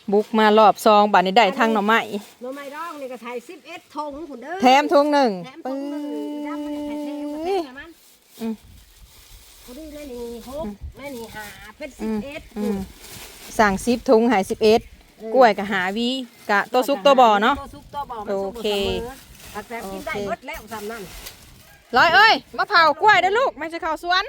บุกมารอบซองบัดนี้ได้ทางหน่อไม้หน่อไม้ดองนี่ก็ใส่11ถุงพุ่นเด้อแถมถุงหนึ่งปื้อดำมันแถมมันผู้ดีนั่นนี่6นั่นนี่5เป็น11 สั่ง10ถุงหาย11กล้วยกับหาวีกะตัวซุกตัวบ่อเนาะตัวซุกตัวบ่อโอเคแต่กินได้หมดแล้วทำนั่นร้อยเอ้ยมะพร้าวกล้วยเด้อลูกไม่ใช่ข้าวสวน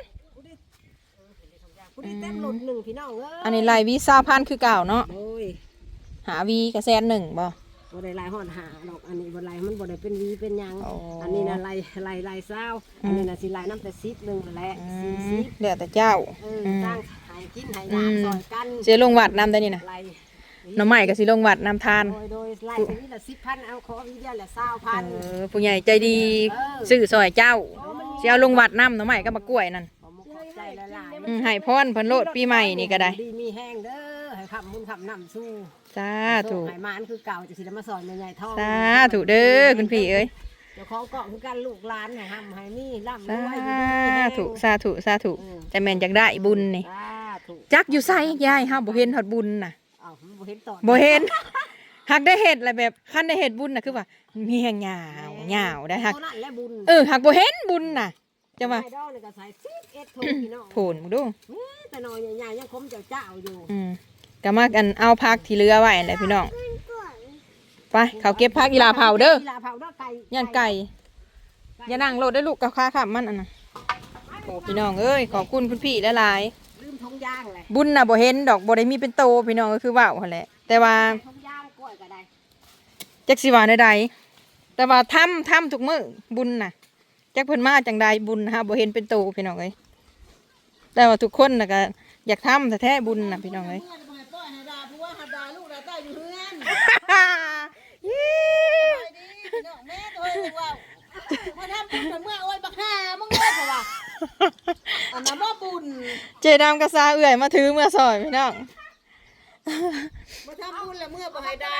ผู้ดีเต็มหลุดหนึ่งพี่น้องอันนี้ลายวี20,000คือเก่าเนาะหาวีกับ100,000บ่บ่ได้ลายห่อนหาดอกอันนี้บ่ลายมันบ่ได้เป็นวีเป็นยังอันนี้น่ะลายเศร้าอันนี้น่ะสิลายน้ำแต่10นึงนั่นแหละ 40เดี๋ยวแต่เจ้าตั้งให้กินให้น้ำซอยกันเสียลงวัดน้ำได้นี่นะหน่อไม้ก็สิลงวัดน้ำทานโดยลายนี้ละ10,000เอาขอวีเดียวละ20,000 ผู้ใหญ่ใจดีซื้อซอยเจ้าสิเอาลงวัดน้ำหน่อไม้ก็มากล้วยนั่นให้พรเพิ่นโลดปีใหม่นี่ก็ได้ดีมีแห้งเด้อให้ขับมุนขับน้ำสู้สาธุให้มานคือเก่าจะสิได้มาสอนใหญ่ๆทองสาธุเด้อคุณพี่เอ้ยเจ้าของเกาะคือกันลูกหลานให้ห้ำให้มีร่ำรวยสาธุจะแม่นจักได้บุญนี่จักอยู่ไสยายเฮาบ่เห็นฮอดบุญน่ะบ่เห็นต่อบ่เห็นหักได้เฮ็ดอะไรแบบคันได้เฮ็ดบุญน่ะคือว่ามีแห่งยาวได้หักหักบ่เห็นบุญน่ะจะว่าโผล่มึงดูแต่น้อยใหญ่ๆยังคมเจ้าอยู่ก็มากันเอาพักที่เรือไว้แหละพี่น้องไปเขาเก็บพักอีลาเผาเด้อย่านไก่อย่านั่งรถได้ลูกกับข้าขับมันอันน่ะโอ้พี่น้องเอ้ยขอบคุณคุณพี่หลายลืมทงย่างเลยบุญน่ะบ่เห็นดอกบ่ได้มีเป็นโตพี่น้องก็คือว่าวหั่นแหละแต่ว่าทงย่างกล้วยก็ได้จักสิว่าใดๆแต่ว่าทำทุกมื้อบุญน่ะจักเพิ่นมาจังใดบุญฮะบ่เห็นเป็นโตพี่น้องเอ้ยแต่ว่าทุกคนน่ะก็อยากทำแต่แท้บุญน่ะพี่น้องเอ้ยเจดำกระซาเอื่อยมาถือเมื่อซอยพี่น้องมาทำบุญแล้วเมื่อบ่ให้ดา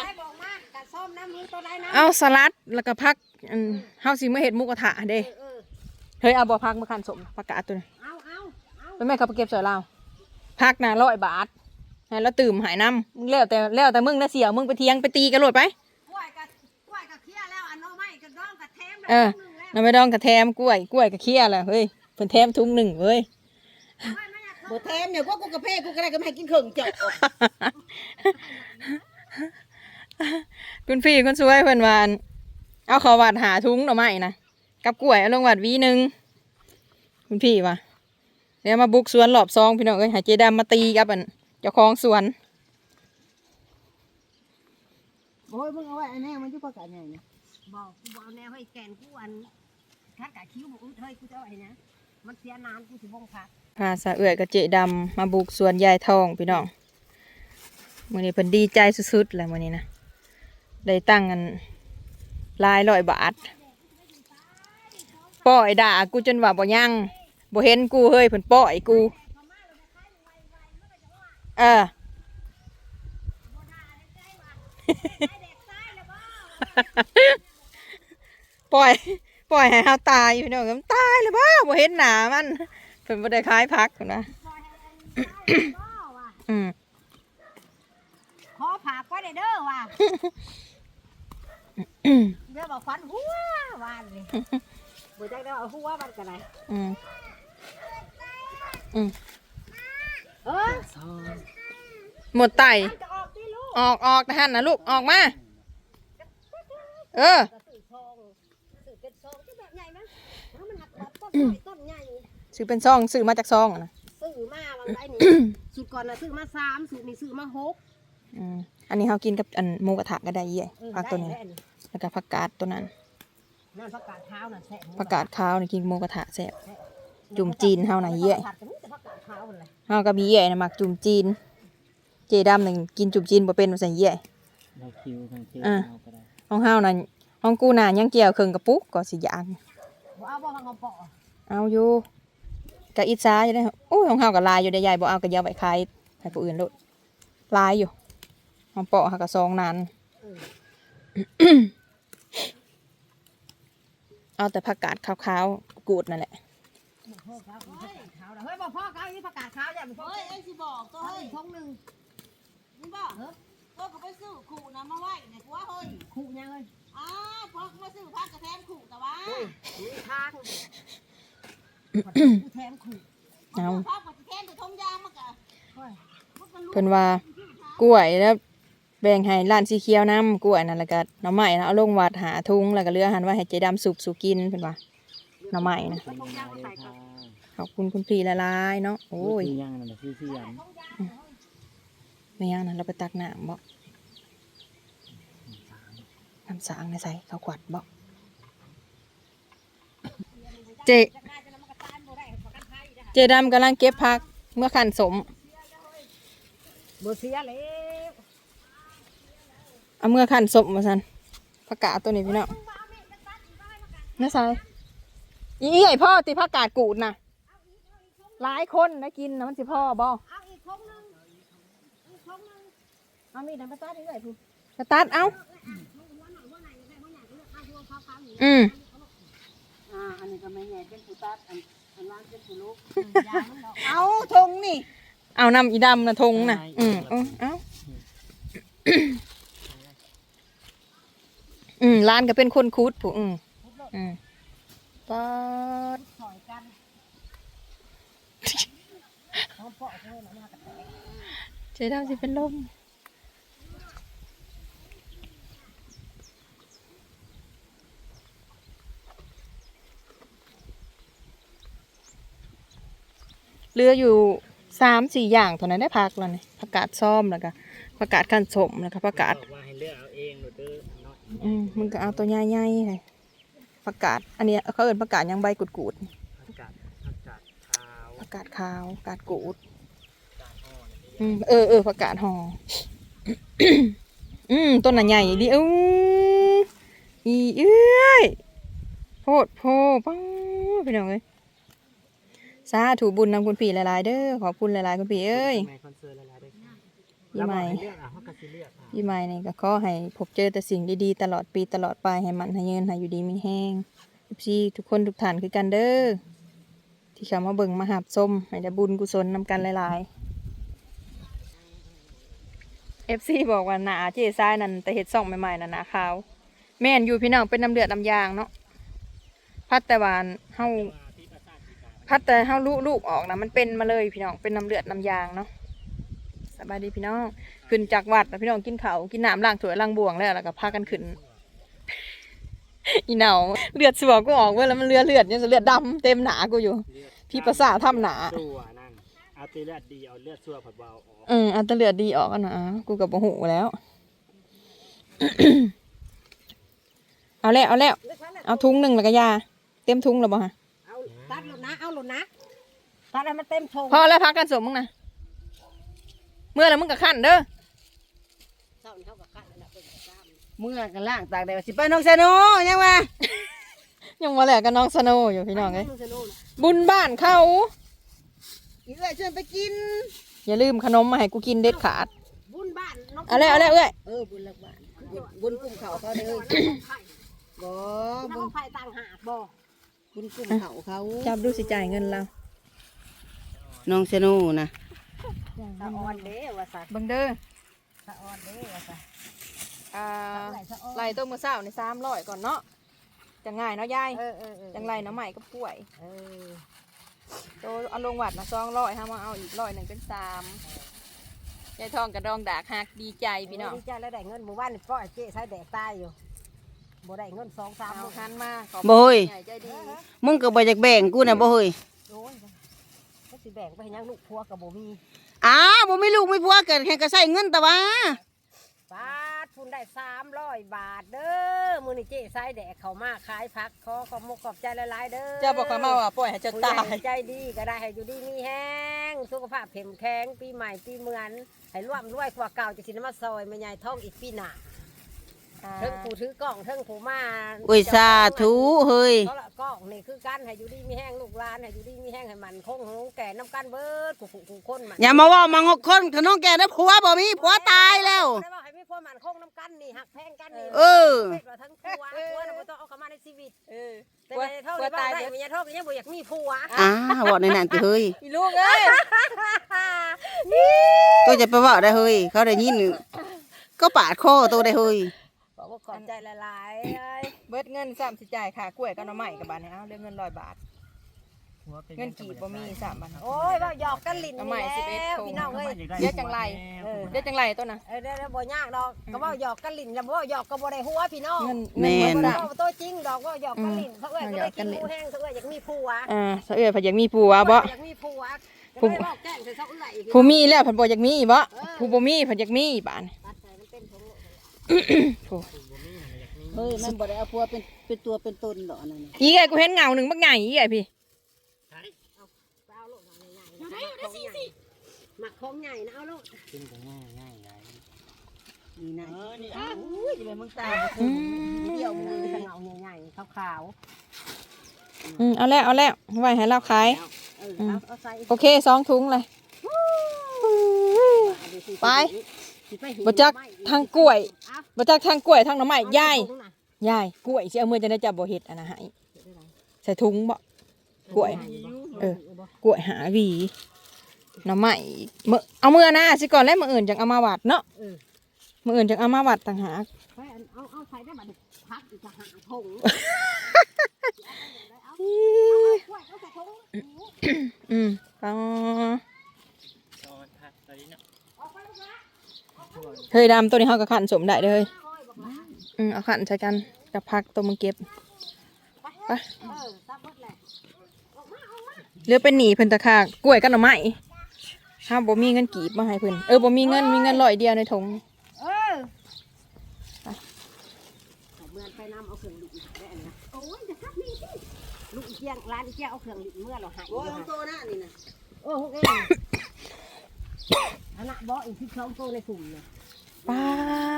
เอาสลัดแล้วก็พักเฮาสิมาเฮ็ดหมูกระทะเด้เฮ้ยเอาบ่พักมาคันสมผักกาดตัวนี้เป็นแม่เขาไปเก็บสอยเราพักน่ะ100 บาทให้แล้วตื่มหายน้ำมึงแล้วแต่มึงนะเสียมึงไปเทียงไปตีกันโลดไปกล้วยกับเคี้ยแล้วอันน้องไม้กับดองกับแถมน้ำไม่ดองกับแถมกล้วยกับเคี้ยแล้วเฮ้ยเพิ่นแถมถุง1เว้ยบ่แถมเนี่ยพวกกูกระเพาะกูก็ได้ก็ไม่ให้กินเครื่องเจาะคุณพี่คนสวยเพิ่นว่าเอาขอวัดหาถุงหน่อไม้นะกับกล้วยเอาลงวัดวีนึงคุณพี่ว่าเดี๋ยวมาบุกสวนหลอบซองพี่น้องเอ้ยหาเจดามาตีกับอันเจ้าของสวนโอ้ยมึงเอาไว้อันนี้มันอยู่ปากกาใหญ่เนี่ยบอกกูบอกแนวให้แกนกูอันคัดกะคิ้วบอกเฮ้ยกูจะเอาไอ้นะมันเสียนานกูสิบ่งพักพาสะเอื่อยกับเจดำมาบุกสวนยายทองพี่น้องมื้อนี้เพิ่นดีใจสุดๆแหละมื้อนี้นะได้ตั้งกัน100 บาทป้อยด่ากูจนว่าบ่ยังบ่เห็นกูเฮ้ยเพิ่นป้อยกูปล่อยให้เฮาตายพี่น้องมันตายเลยบ่บ่เห็นหน้ามันเพิ่นบ่ได้ขายผักนะขอผักไว้เด้อว่ะเดี๋ยวบอกฟันหัววานเลยบ่จักได้เอาหัวมันก็ได้หมดไตออกนะฮั่นนะลูกออกมาซื้อเป็นซองซื้อมาจากซองนะซื้อมาบางไอ้นี่สูตรก่อนนะซื้อมา3สูตรนี้ซื้อมา6 อันนี้เขากินกับอันหมูกระทะก็ได้ยี่ผักตัวนี้แล้วก็ผักกาดตัวนั้นผักกาดขาวน่ะแซ่บผักกาดขาวนี่กินหมูกระทะแซ่บจุ่มจีนเฮาน่ะยี่เฮาก็มียี่นะมักจุ่มจีนเจดำหนึ่งกินจุ่มจีนบ่เป็นว่าใส่ยี่ห้องเฮาน่ะห้องกูน่ะยังเกี่ยวเครื่องกระปุกก็สิย่างเอาอยู่กะอิจฉาอยู่ได้โอ้ยของเฮาก็ลายอยู่ได้ใหญ่บ่เอาก็ยาวไปขายให้ผู้อื่นโลดลายอยู่ของเปาะหากระซองนานเอาแต่ผักกาดขาวๆกูดนั่นแหละเฮ้ยบอกพ่อเขาอีผักกาดขาวอย่าบอกเฮ้ยไอ้สิบอกตัวเฮ้ยทงหนึ่งมึงบอกเหรอก็ไปซื้อขู่นะมาไว้ในหัวเฮ้ยขู่ยังเลยอ้าวพอมาซื้อพักกระแทมขู่แต่ว่ามีทางกูแถมขู่เอาพักกระแทมแต่ทงยางมากะเพิ่นว่ากล้วยแล้วแบ่งให้ร้านสีเขียวน้ำกล้วยนั่นแล้วก็หน่อไม้นะเอาลงวัดหาทุงแล้วก็เหลือหันไว้ให้เจดำสุกสู่กินเพิ่นว่าหน่อไม้นะขอบคุณคุณพี่ละลายเนาะโอ้ยซื้อย่างนั่นแหละซื้อเสียงไม่ยังนะเราไปตักน้ำบ่น้ำสางในใส่เขาขวัดบ่เจเจดำกำลังเก็บผักเมื่อขันสมบ่เสียแล้วเอาเมื่อขันสมมาสันผักกาดตัวนี้พี่น้องน่าใส่อีไอพ่อตีผักกาดกูดนะหลายคนได้กินนะมันสิพ่อบ่เอาอีกทงนึงอีกทงนึงเอามีดน้ำปลาตาดนี่เลยพูสตาร์ทเอาอันนี้ก็ไม่ใหญ่เป็นผู้ตัดอันล่างเป็นผู้ลูกเอาทงนี่เอานำอีดำนะทงนะเอาร้านก็เป็นคนคุดผู้ป๊อดถอยกันเขาเปาะเลยนะมากระแตกเจ๊ดำสิเป็นลมเรืออยู่3-4อย่างเท่านั้นได้พักแล้วนี่ผักกาดซ้อมแล้วก็ผักกาดขั้นสมแล้วก็ผักกาดบอกว่าให้เลือกเอาเองหรือเด้อน้อยมึงก็เอาตัวใหญ่ๆเลยผักกาดอันนี้เขาเอิ้นผักกาดยังใบกุดอากาศขาวๆผักกาดขาวผักกาดกูดกาศอ่อนผักกาดห่อ ต้นน่ะใหญ่ดิอีเอ้ยโพดโพปังพี่น้องเอ้ยสาธุบุญนำคุณพี่หลายๆเด้อขอบคุณหลายๆคุณพี่เอ้ยในคอนเสิร์ตหลายๆได้ยี่ใหม่เลือกเขาก็สิเลือกยี่ใหม่นี่ก็ขอให้พบเจอแต่สิ่งดีๆตลอดปีตลอดไปให้มันให้เงินให้อยู่ดีมีแห้งพี่ทุกคนทุกท่านคือกันเด้อที่เข้ามาเบิ่งมาหับส้มให้ได้บุญกุศลนำกันหลายๆ FC บอกว่าหนาเจ๊ซ้ายนั่นแต่เห็ดส่องใหม่ๆน่ะหนาขาวแม่นอยู่พี่น้องเป็นน้ำเลือดน้ำยางเนาะพัดแต่วานเฮาพัดแต่เฮาลูกออกนะมันเป็นมาเลยพี่น้องเป็นน้ำเลือดน้ำยางเนาะสบายดีพี่น้องขึ้นจากวัดแล้วพี่น้องกินข้าวกินน้ำล้างถ้วยล้างบ่วงแล้วก็พากันขึ้น อีเหนาเลือดสวกูออกเว้ยแล้วมันเลือดยังเลือดดำเต็มหนากูอยู่พี่ประสาททำหนาสัวนั่นเอาตีเลือดดีเอาเลือดสัวผัดเบาออกอันตะเลือดดีออกกันนะกูกับโมโหแล้ว เอาแล้วเอาทุงหนึ่งแล้วก็ยาเต็มทุงแล้วบ่ฮะเอาตัดหลุดนะเอาหลุดนะตัดให้มันเต็มทงพอแล้วพักกันสมมึงนะเมื่อแล้วมึงกับขั้นเด้อเศร้านี่เขากับขันแล้วเป็นซ้ำเมื่อกันล่างตากแดดสิไปน้องเซโนยังวะยังมาแหลกกับน้องสโนว์อยู่พี่น้องเอ้ยบุญบ้านเขาอีเอ้ยชวนไปกินอย่าลืมขนมมาให้กูกินเด็ดขาดบุญบ้านน้องเอาแล้วเอ้ยบุญหลักบ้านบุญกลุ่มเขาเขาเลยบ่บุญไผ่ต่างหากบ่บุญกลุ่มเขาจับดูสิจ่ายเงินเราน้องเซโนนะสะออนเด้ว่าซะเบังเด้อสะออนเด้ว่าซะไล่ต้มมือเศร้าใน300ก่อนเนาะจะง่ายเนาะยาย จังไรน้ำใหม่ก็ป่วยโตเอาลงวัดนะ200ห้ามาเอาอีก100เป็น3ยายทองกับดองดากหักดีใจพี่น้องดีใจแล้วได้เงินหมู่บ้านก็เจ๊ใช้แดกตายอยู่บ่ได้เงิน2-3 เอาคันมาขอบบ่เฮ้ยใหญ่ใจดีมึงก็บ่อยากแบ่งกูน่ะบ่เฮ้ยโอ้ยก็สิแบ่งไปให้ยังลูกผัวกับบ่มีอ้าวบ่มีลูกมีผัวเกิดแค่ก็ใช้เงินแต่ว่าบาทพุ่นได้300 บาทเด้อมื้อนี้เจ๊ใช้แดกเข้ามาขายผักขอขอบมุกขอบใจหลายๆเด้อเจ้าบอกเขามาว่าปล่อยให้เจ้าผู้ตาใหญ่ยใจดีก็ได้ให้อยู่ดีมีแห้งสุขภาพเข้มแข็งปีใหม่ปีเหมือนให้ร่วมรวยกว่าเก่าจะสินมาซอยแม่ใหญ่ท้องอีกปีหน้าเทิงผู้ถือกล้องเทิงผู้มาโอ้ยสาธุเฮ้ยเพราะละกล้องนี่คือกันให้อยู่ดีมีแห้งลูกหลานให้อยู่ดีมีแห้งให้มันคงหูแก่น้ำกันเบิดกูคนมันอย่ามาเว้ามังคนขน้องแกได้ผัวบ่มีผัวตายแล้วได้บอกให้มีพ่อมันคงน้ำกันนี่หักแพงกันนี่เออเฮ็ดว่าทั้งผัวน่ะบ่ต้องเอาเข้ามาในชีวิตแต่ในเท่าที่บ่ได้แม่ยายท้องก็ยังบ่อยากมีผัวเว้าในนั้นติเฮ้ยอีลูกเอ้ยตัวจะไปเว้าได้เฮ้ยเขาได้ยินก็ปาดคอตัวได้เฮ้ยบอกว่าขอบใจละลายๆเอ้ยเบิดเงิน3สิจ่ายค่ากล้วยกับหน่อไม้กับบาทนี่เอาเรื่องเงิน100 บาทเงินกี่บ่มี3บาทโอ้ยว่าหยอกกันลิ้นทำไมนี่ 11 แล้วธงพี่น้องเอ้ยเดี๋ยวจังไรเออเดี๋ยวจังไรต้นน่ะเดี๋ยวบ่ยากดอกก็ว่าหยอกกันลิ้นแล้วบ่หยอกก็บ่ได้หัวพี่น้องเงินแม่นเงิบ่ตัวจริงดอกว่าหยอกกันลิ้นเขาเอ้ยก็ได้กินหมูแห้งเขาเอ้ยอยากมีผัวสะเอื้อยเพิ่นอยากมีผัวบ่อยากมีผัวก็เลยบอกแจ้งใส่เขาเอ้ยอีกผู้มีแล้วเพิ่นบ่อยากมีบ่ผู้บ่มีเพิ่นอยากมีบาดนี่ตัดใส่มันเป็นผงผู้เฮ้ยมันบ่ได้เอาผัวเป็นตัวเป็นตนดอกนั่นน่ะอีไอ้กูเห็นเงาหนึงบักใหญ่อีไอ้พี่เปล่าลูกใหญ่ๆอยู่ได้สิหมักของใหญ่นะเอาลูกกินก็ง่ายง่ายไงนี่นะนี่อุ้ยเลยมึงตาเดี่ยวมือสงเอาใหญ่ๆขาวเอาแล้วไว้ให้เราขายๆเอาใส่โอเค2ถุงเลยไปบ่จักทางกล้วยบ่จักทางกล้วยทางหน่อไม้ยายกล้วยสิเอามือจะได้จับบ่เฮ็ดอันน่ะให้ใส่ถุงบ่กล้วยกล้วยหาหวีหน่อไม้มื้อเอามือนะสิก่อนแล้วมื้ออื่นจังเอามาวัดเนาะมื้ออื่นจังเอามาวัดต่างหากเอาใส่ได้บัดพักอีกจะหาทงอ๋อตอนทัดตอนนี้เนาะเฮ้ยดำตัวนี้เขาก็ขันสมได้เลยเอาขันใช้กันกับพักตัวมึงเก็บไปเรือเป็นหนีเพิ่นตะคากกล้วยกันหน่อไม้ห้ามบ่มีเงินกีบมาให้เพิ่นบ่มีเงิน100เดียวในถุงเมื่อไปน้ำเอาเครื่องลิ้นได้อันนะโอ้ยจะทักนี่สิลูกเจียงร้านเจียงเอาเครื่องลิ้นเมื่อเราหายโอ้ยของโตนะนี่นะโอ้โหเองอันน่ะบ่อีก12ตัวในกลุ่มเนี่ยป้า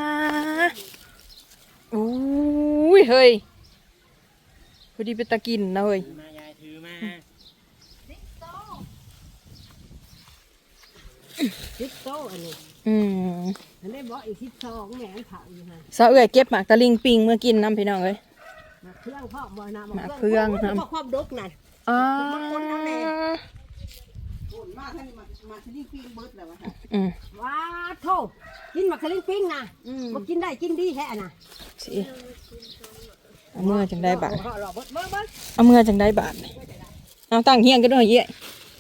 อุ้ยเฮ้ยพอดีเป็นตะกินนะเฮ้ยมายายถือมา 10โตอันนี้อันนี้บ่อีก12แหม่เผาอยู่ฮะสาวเอื้อยเก็บหมากตะลิงปิงเมื่อกินน้ำพี่น้องเอ้ยมาเครื่องพ่อบ่นะมาเครื่องนะพ่อความดกนั่นอ๋อโอนมาท่านมาที่นี่ปิ้งเบิดแล้วว่าค่ะว้าโธ่กินมักสลิงปิ้งนะบ่กินได้กินดีแท้น่ะสิเอาเมื่อจังได้บาทพ่อรอเบิ่งเอาเมื่อจังได้บาทเอาตั้งเฮียงกันด้วยเยี่ย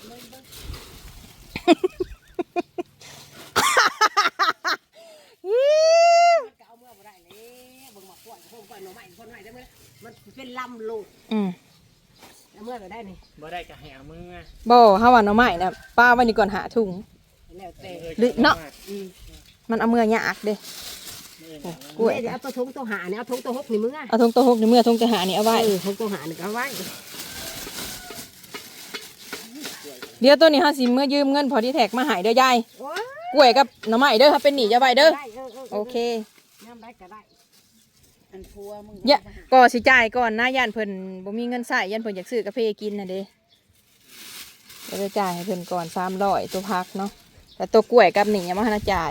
ก็เอาเมื่อบ่ได้เลยเบิ่งมาขวดโฮมก่อนหน่อไม้คนใหม่ได้มื้อมันเป็นลำลูกเอาเมื่อก็ได้นี่บ่ได้ก็ให้เอามือบ่ห้าวันเอาใหม่นะป้าวันนี้ก่อนหาถุงแล้วแต่หรือเนาะมันเอาเมื่อยากเด้กล้วยเดี๋ยวเอาตัวทงตัวหาเนี่ยเอาทงตัวหกนี่มึงอ่ะเอาทงตัวหกในเมื่อทงจะหานี่เอาไว้ทงตัวหานี่ก็เอาไว้เดี๋ยวตัวนี้ห้าสิเมื่อยืมเงินพอที่แท็กมาหายเด้อยายโอ้ยกล้วยกับหน่อไม้เด้อถ้าเป็นหนีจะไว้เด้อได้โอเคน้ำได้ก็ได้อันผัวมึงอย่าก็สิจ่ายก่อนนะย่านเพิ่นบ่มีเงินใช้ย่านเพิ่นอยากซื้อกาแฟกินน่ะเด้ก็จะจ่ายให้เพิ่นก่อน300ตัวพักเนาะแต่ตัวกล้วยกับหนียังบ่ทันได้จ่าย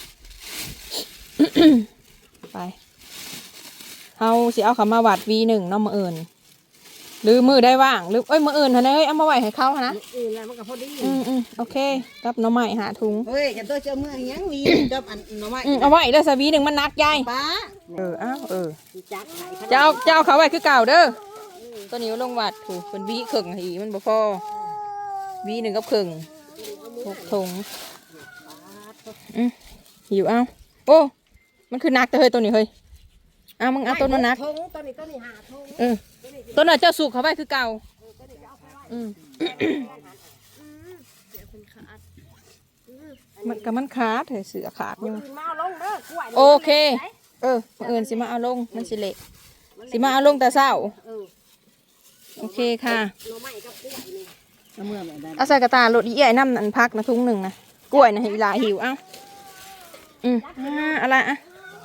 ไปเฮาสิเอาเขามาวัด V1 เนาะมื้ออื่นหรือมื้อได้ว่างหรือมื้ออื่นหั่นเอ้ยเอามาไว้ให้เขาหั่นนะแล้วมันก็พอดีโอเคกับหน่อไม้หาถุงเฮ้ยกันตัวเจ้าเมื่อยังวีกับอันหน่อไม้เอาไว้เด้อซะ V1 มันหนักยายป้าจัดไข่จะเอาเขาไว้คือเก่าเด้อตัวนี้เอาลงวัดถูกเป็นวีครึ่งอีมันบ่พอV1กับครึ่ง6ถุงหิวเอาโอ้มันคือหนักแต่เฮ้ยตัวนี้เฮ้ยเอามึงเอาตัวนั้นหนักทงตัวนี้หาทงตัวนั้นเจ้าสุกเขาไว้คือเก่ามันกับมันขาดเถอะเสือขาดอยู่มาลงเด้อกล้วยโอเคมื้ออื่นสิมาเอาลงมันสิเละสิมาเอาลงแต่เช้าโอเคค่ะหน่อไม้กับกล้วยนี่เอาเมื่อแบบนั้นเอาใส่กระตาลดอีใหญ่น้ำอันพักนะถุงหนึ่งนะกล้วยนะให้อีหลาหิวเอ้าอะไรอ่ะ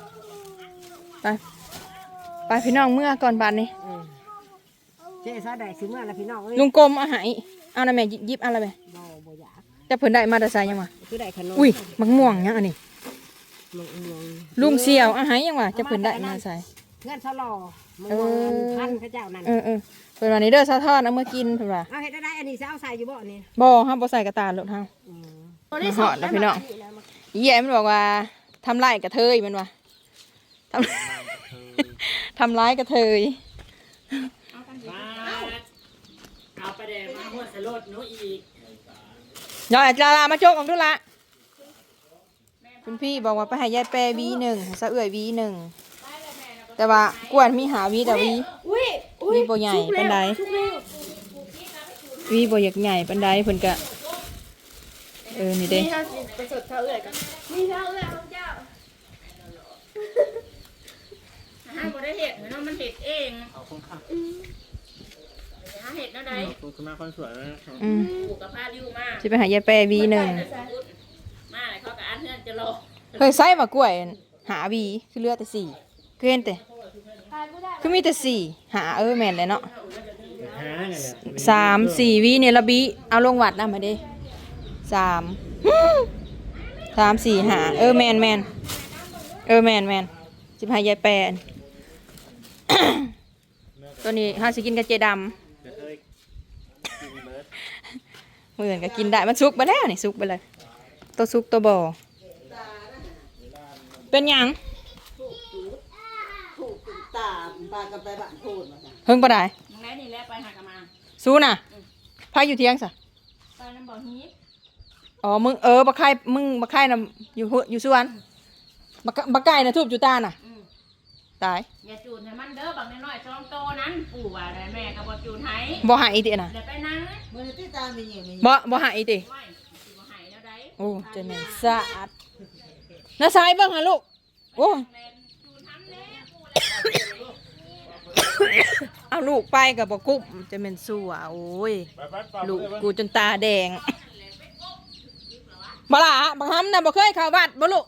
ไปพี่น้องเมื่อก่อนบานนี้เจ๊ซาได้ซื้อมาแล้วพี่น้องเอ้ยลุงกลมเอาใหายเอานะแม่ยิบเอาอะไรแม่บ่อยากจะเพิ่นได้มาแต่ใส่ยังวะคือได้ขนมอุ้ยมักม่วงยังอันนี้มองลุงเสี่ยวเอาใหายยังวะจะเพิ่นได้มาใส่เงินเท่าหล่อมพันพระเจ้านั่นเพิ่นวันนี้เด้อซาทอดเอามื่อกินเพิ่นว่าเอาเฮ็ดได้อันนี้จะเอาใส่อยู่บ่อันนี้บ่ห้ามบ่ใส่กระตาลดเฮามาหอดแล้วพี่น้องอีใหญ่มันบอกว่าทำร้ายกระเทยมันวะทำ ทำร้ายกระเทยเอาไปแดงมาหัวสลดหนูอีกย้อยลามาโจกของทุละคุณพี่บอกว่าไปให้ยายแปรวีหนึ่งให้ซะเอื่อยวีหนึ่งแต่ว่ากวนมีหาวีแต่วีบ่ใหญ่ปานใดวีบ่อยากใหญ่ปานใดเพิ่นก็นี่เด้นี่ถ้าประสบเท่าเอื่อยกันนี่เท่าเอื่อยของเจ้าห้ามบ่ได้เห็ดเนาะมันเห็ดเองเอาคงค่ะหาเห็ดเนาะใดคุณมาคนสวยแล้วปลูกกับพาดิวมาสิไปหายายแปรวีหนึ่งมาเลยเขากับอันเฮือนจะรอเคยใส่มากล้วยหาวีคือเหลือแต่สี่คือเห็นแต่คือมีแต่สี่หาแม่นเลยเนาะหาไงเนี่ย 3-4วีเนี่ยละบีเอาลงวัดนะมาเด้3 3-4 5แม่นแม่นแม่นสิพายายแปรน ตัวนี้เฮาสิกินกับเจดำกระเทยกินเบิร์ดมื้ออื่นก็กินได้มันสุกไปแล้วนี่สุกไปเลยตัวสุกตัวบ่เป็นหยังตาปลากันไปบ้านพูดมาจ้ะเฮิงบ่ได้มึงไหนนี่แหละไปหากันมาสู้น่ะพาอยู่เที่ยงซะไปน้ำบ่อฮีบอ๋อมึงบักไข่มึงบักไข่น่ะอยู่สวนบักไก่น่ะทูบจุตาน่ะตายอย่าจูนให้มันเด้อบักน้อยๆ2โตนั้นปู่ว่าได้แม่ก็บ่จูนให้บ่หายอีติน่ะเดี๋ยวไปนั่งมือที่ตามีอย่างนี้บ่หายอีติไม่สิบ่ให้แล้วได้โอ้เจะแม่นสะอาดน้าสายเบิ่งหาลูกโอ้แม่จูนทำแน่ปู่เอาลูกไปก็บ่กุ้มเจะแม่นสั่วโอ้ยลูกกูจนตาแดงบ่ล่ะบักหำน่ะบ่เคยเข้าวัดบ่ลูก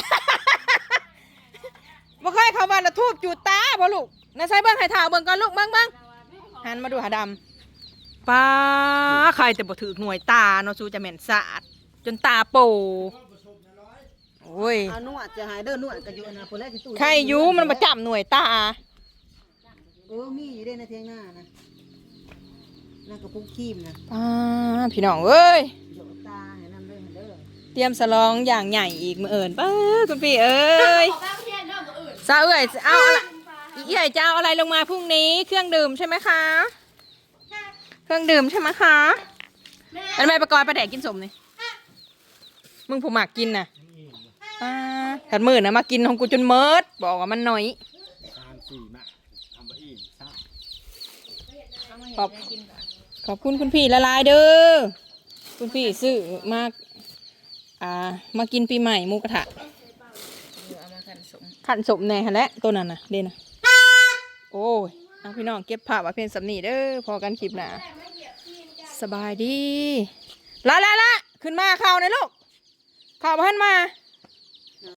บ่เคยเข้าวัดแล้วทูบจุดตาบ่ลูกน้าสายเบิ่งให้ท่าเบิ่งก่อนลูกเบิ่งหันมาดูหาดำป้าใครแต่บ่ถือหน่วยตาเนาะสู้จะแม่นสะอาดจนตาโปโอ้ยนวดจะหายเด้อนวดก็อยู่นะคนแรกที่ตู้ใครอยู่มันมาจับหน่วยตามีอยู่ได้ในเทียงหน้านะนั่นก็ปุ๊กคีมนะพี่น้องเอ้ยเดี๋ยวตาให้นั่นเลยเด้อเตรียมสลองอย่างใหญ่อีกมื้อเอิญป้าคุณพี่เอ้ยซาเอ้ยเอาอะไรอีเอ้ยจะเอาอะไรลงมาพรุ่งนี้เครื่องดื่มใช่ไหมคะเครื่องดื่มใช่ไหมคะอันไม่ประกอบประแดกกินสมนี่มึงผู้หมากกินน่ะขัดมือนะมากินของกูจนเมิดบอกว่ามันน้อย 3-4มาทำไปอีกซ้ขอบคุณคุณพี่ละลายเด้อคุณพี่ซื้อมามากินปีใหม่หมูกระทะเอามาขันสมขันสมแน่ฮะแหละตัวนั้นนะเด่นะโอ้ยเอาพี่น้องเก็บผ้าว่าเพียนสำนีเด้อพอกันคลิปหนาสบายดีละขึ้นมาข่าวหน่อยลูกข่าวมาให้มา